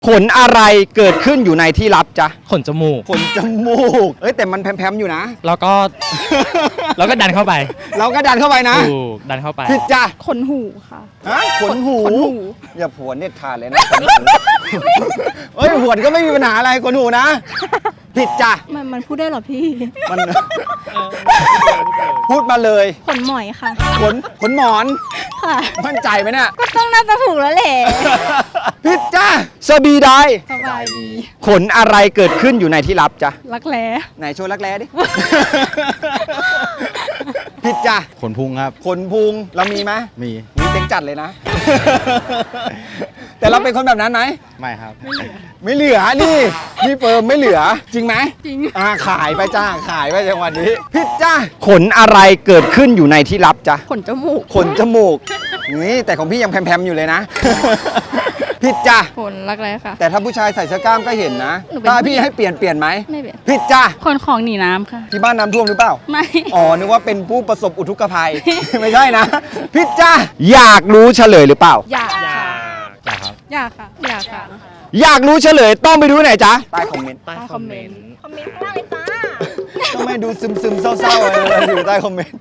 ขนอะไรเกิดขึ้นอยู่ในที่ลับจ๊ะขนจมูกขนจมูกเอ้ยแต่มันแพมๆอยู่นะแล้วก็ แล้วก็ดันเข้าไปเราก็ดันเข้าไปนะถูกดันเข้าไปผิดจ้ะขนหูค่ะฮะขนหูขนหูอย่าผวนเด็ดขาดเลยนะขนหูเอ้ยผวนก็ไม่มีปัญหาอะไรขนหูนะผิดจ้ะมันพูดได้เหรอพี่มันพูดมาเลยขนหมอยค่ะขนหมอนค่ะมั่นใจไหมเนี่ยก็ต้องน่าจะถูกแล้วแหละผิดจ้ะสบีไดสบายดีขนอะไรเกิดขึ้นอยู่ในที่ลับจ๊ะรักแร้ไหนโชว์รักแร้ดิ ผิดจ้ะขนพุงครับขนพุงเรามีไหมมีมีเต็งจัดเลยนะ แต่เราเป็นคนแบบนั้นไหมไม่ครับไม่เหลือนี่พี่เฟิร์มไม่เหลือ จริงไหมจริงขายไปจ้าขายไปจังหวัดนี้ผิดจ้าขนอะไรเกิดขึ้นอยู่ในที่ลับจ้ะขนจมูกขนจมูกนี่แต่ของพี่ยังแพมๆอยู่เลยนะ ผิดจ้ะขนรักแร้ค่ะแต่ถ้าผู้ชายใส่เสื้อกล้ามก็เห็นนะหนูเป็นถ้าพี่ให้เปลี่ยนไหมไม่เปลี่ยนผิดจ้ะขนของหนีน้ำค่ะที่บ้านน้ำท่วมหรือเปล่าไม่อ๋อ นึกว่าเป็นผู้ประสบอุทกภัย ไม่ใช่นะ พิจจ้าอยากรู้เฉลยหรือเปล่าอยากอยาค่ะกอยากครับอยากค่ะ อยากค่ะอยากรู้เฉลยต้องไปดูไหนจ๊ะ ใต้คอมเมนต์ใต้คอมเมนต์คอมเมนต์ข้างล่างเลยจ้าทำไมดูซึมๆเศร้าๆเลยอยู่ใต้คอมเมนต์